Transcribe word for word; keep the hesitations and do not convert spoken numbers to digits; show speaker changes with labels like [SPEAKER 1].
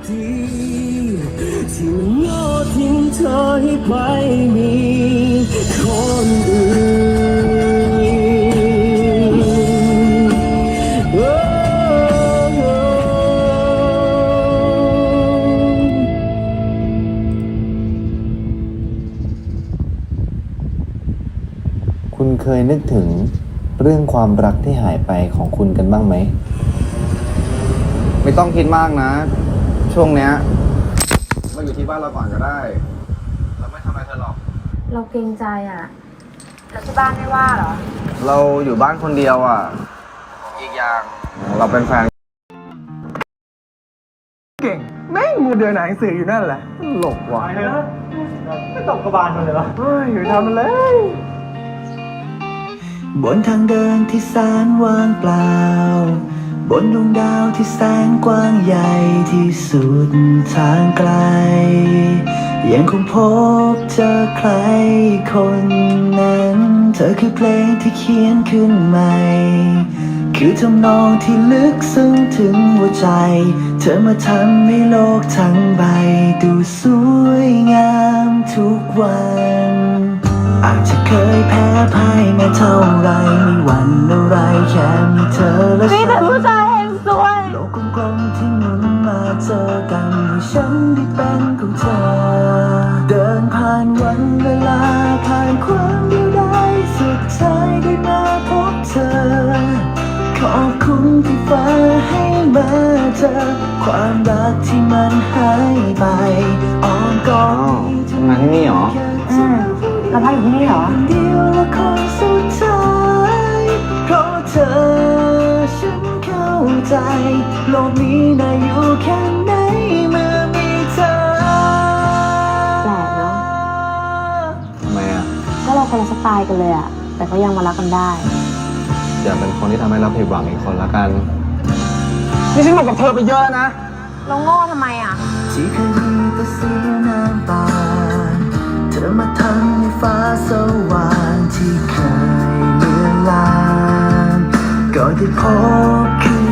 [SPEAKER 1] ดีที่มันโง่ทิ้งเธอให้ไปมีคนอื่นโอ้โห
[SPEAKER 2] คุณเคยนึกถึงเรื่องความรักที่หายไปของคุณกันบ้างไหม
[SPEAKER 3] ไม่ต้องคิดมากนะ ช่วงเนี้ยมาอยู่ที่บ้านเราก่อนก็ได้ เราไม่ทำอะไรเธอหรอก
[SPEAKER 4] เราเกรงใจอ่ะ แล้วที่บ้านไม่ว่าเหรอ
[SPEAKER 3] เราอยู่บ้านคนเดียวอ่ะ อีกอย่างเราเป็นแฟนเก่งแม่งมูเดินหนังสืออยู่นั่นแหละหลกว่ะไม่ตกกระบาลมันเลยวะเฮ้ยอยู่ทำมันเลย
[SPEAKER 1] บนทางเดินที่แสนว่างเปล่าบนดวงดาวที่แสนกว้างใหญ่ที่สุดทางไกลยังคงพบเจอใครคนนั้นเธอคือเพลงที่เขียนขึ้นใหม่คือทำนองที่ลึกซึ้งถึงหัวใจเธอมาทำให้โลกทั้งใบดูสวยงามทุกวันอาจจะเคยแพ้พ่ายมาเท่าไรไม่หวั่นอะไรแค่มีเธอและฉัน
[SPEAKER 4] มีแต่ผู้ชายเฮงสวย
[SPEAKER 1] โลกกลมๆที่หมุนมาเจอกันให้ฉันได้เป็นของเธอเดินผ่านวันเวลาผ่านความเดียวดายสุดท้ายได้มาพบเธอขอบคุณที่ฟ้าให้มาเจอความรักที่มันหายไปอ้อมกอด
[SPEAKER 3] มาที่นี่เหรอ
[SPEAKER 4] อืมเราพักอยู่ที่นี่เหรอ
[SPEAKER 1] เดียวและคนสุดท้ายเพราะเธอฉันเข้าใจโลกนี้น่าอยู่แค่ไหนเมื่อมีเธอ
[SPEAKER 4] แปลกเนาะ
[SPEAKER 3] ทำไมอ่ะ
[SPEAKER 4] ก็เราคนละสไตล์กันเลยอะแต่ก็ยังมารักกันได้
[SPEAKER 3] อย่าเป็นคนที่ทำให้เราผิดหวังอีกคนละกัน นี่ฉันบอกกับเธอไปเยอะแล้วนะ
[SPEAKER 4] เราโง่ทำไมอะ
[SPEAKER 1] ที่เคยมีแต่เสียน้ำตาเธอมาทำให้ฟ้าสว่างที่เคยเลือนลางก็ได้พบคื